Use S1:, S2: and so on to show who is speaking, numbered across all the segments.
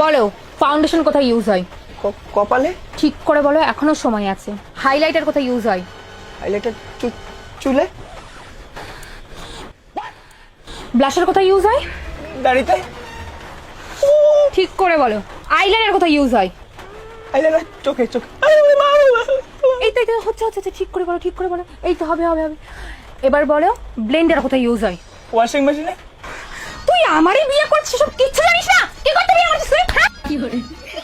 S1: বলো ফাউন্ডেশন কোথায় ইউজ হয়?
S2: কপালে।
S1: ঠিক করে বলো, এখনো সময় আছে। হাইলাইটার কোথায় ইউজ হয়?
S2: হাইলাইটার চুলে।
S1: ব্লাশার কোথায় ইউজ হয়?
S2: দাড়িতে।
S1: ঠিক করে বলো। আইলাইনার কোথায় ইউজ হয়?
S2: আইলাইনার চোখে।
S1: এই তো হচ্ছে ঠিক করে বলো, ঠিক করে বলো। এই তো হবে। এবার বলো ব্লেন্ডার কোথায় ইউজ হয়?
S2: ওয়াশিং মেশিনে।
S1: তুই আমারই বিয়ে করছিস, সব কিচ্ছু জানিস না? কি করতে বিয়ে করছিস তুই? কি করে?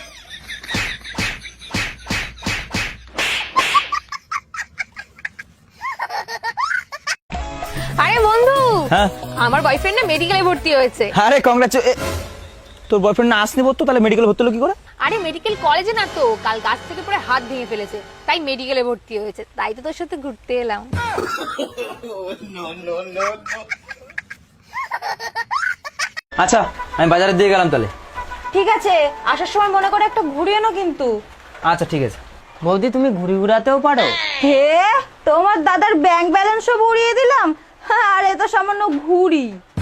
S1: আরে বন্ধু,
S2: হ্যাঁ
S1: আমার বয়ফ্রেন্ড না মেডিকেলে ভর্তি হয়েছে।
S2: আরে তোর বয়ফ্রেন্ড না আসনি বলতো, তাহলে মেডিকেল ভর্তি হলো কি করে?
S1: আরে মেডিকেল কলেজে না তো, কাল গাছ থেকে পড়ে হাত ভেঙে ফেলেছে, তাই মেডিকেলে ভর্তি হয়েছে। তাই তো তোর সাথে ঘুরতে এলাম।
S2: আচ্ছা আমি বাজারে দিয়ে গেলাম তাহলে।
S3: ঠিক আছে, আসার সময় মনে করে একটা ঘুরে এনো কিন্তু।
S2: আচ্ছা ঠিক আছে।
S4: বৌদি তুমি ঘুরি ঘুরাতেও পারো?
S3: হে, তোমার দাদার ব্যাংক ব্যালেন্সও উড়িয়ে দিলাম, আর এ তো সামান্য ঘুড়ি।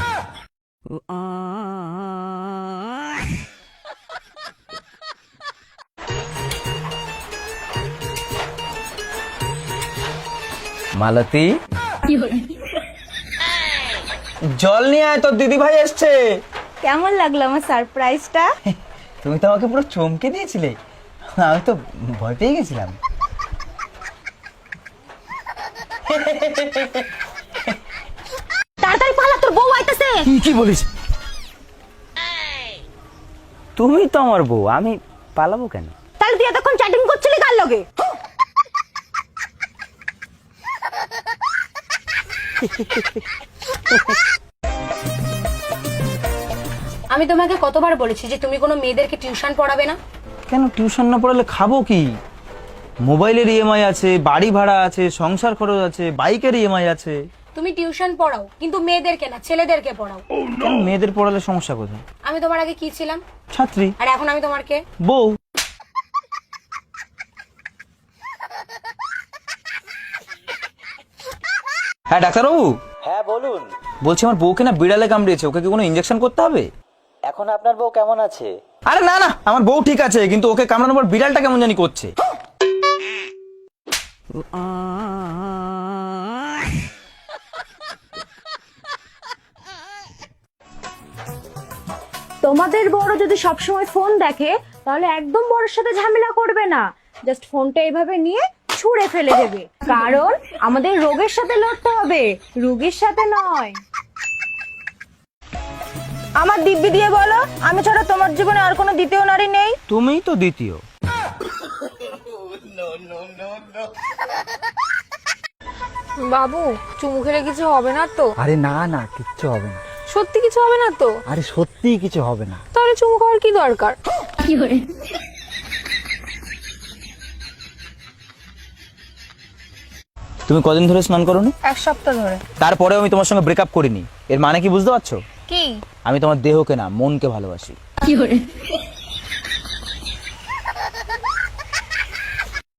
S2: মালতী, জল নিয়ে আয়, তোর দিদি ভাই এসছে।
S3: কেমন লাগলো আমার সারপ্রাইজটা?
S2: তুমি তো আমাকে পুরো চমকে দিয়েছিলে, আমি তো ভয় পেয়ে গেছিলাম।
S3: তাড়াতাড়ি পালা, তোর বউ আইতাছে।
S2: কি বলিস? তুমি তো আমার বউ, আমি পালাবো কেন?
S3: তাহলে তুই এতক্ষণ চ্যাটিং করছিলি কার লগে?
S1: আমি তোমাকে কতবার বলেছি যে তুমি কোনো মেয়েদেরকে টিউশন পড়াবে না?
S2: কেন টিউশন না পড়ালে খাবো কি? মোবাইলের ইএমআই আছে, বাড়ি ভাড়া আছে, সংসার খরচ আছে, বাইকের ইএমআই আছে।
S1: তুমি টিউশন পড়াও, কিন্তু মেয়েদেরকে না, ছেলেদেরকে পড়াও।
S2: কেন মেয়েদের পড়ালে সমস্যা কোথায়?
S1: আমি তোমার আগে কি ছিলাম?
S2: ছাত্রী।
S1: আর এখন আমি তোমার কে?
S2: বউ। হ্যাঁ ডাক্তারবাবু।
S4: হ্যাঁ বলুন।
S2: বলছি আমার বউকে না বিড়ালে কামড়িয়েছে, ওকে কি কোনো ইনজেকশন করতে হবে?
S4: এখন আপনার বউ কেমন আছে?
S2: আরে না আমার বউ ঠিক আছে, কিন্তু ওকে কামড়ানোর পর বিড়ালটা কেমন জানি করছে।
S3: তোমাদের বড় যদি সবসময় ফোন দেখে, তাহলে একদম বড়র সাথে ঝামেলা করবে না, জাস্ট ফোনটা এইভাবে নিয়ে ছুঁড়ে ফেলে দেবে। কারণ আমাদের রোগের সাথে লড়তে হবে, রোগীর সাথে নয়। আমার দিব্যি দিয়ে বলো, আমি ছাড়া তোমার জীবনে আর কোনো দ্বিতীয় নারী নেই?
S2: তুমিই তো দ্বিতীয়।
S1: বাবু, চুমু খেলে কিছু হবে না তো?
S4: আরে না কিচ্ছু হবে না।
S1: সত্যি কিছু হবে না তো?
S4: আরে সত্যিই কিছু হবে না।
S1: তাহলে চুমু খাওয়ার কি দরকার? কি করে?
S2: তুমি কদিন ধরে স্নান করোনি?
S1: 1 সপ্তাহ ধরে।
S2: তারপরেও আমি তোমার সঙ্গে ব্রেকআপ করিনি, এর মানে কি বুঝতে পারছো?
S1: কি?
S2: আমি তোমার দেহকে না, মনকে ভালোবাসি।
S1: কি করে?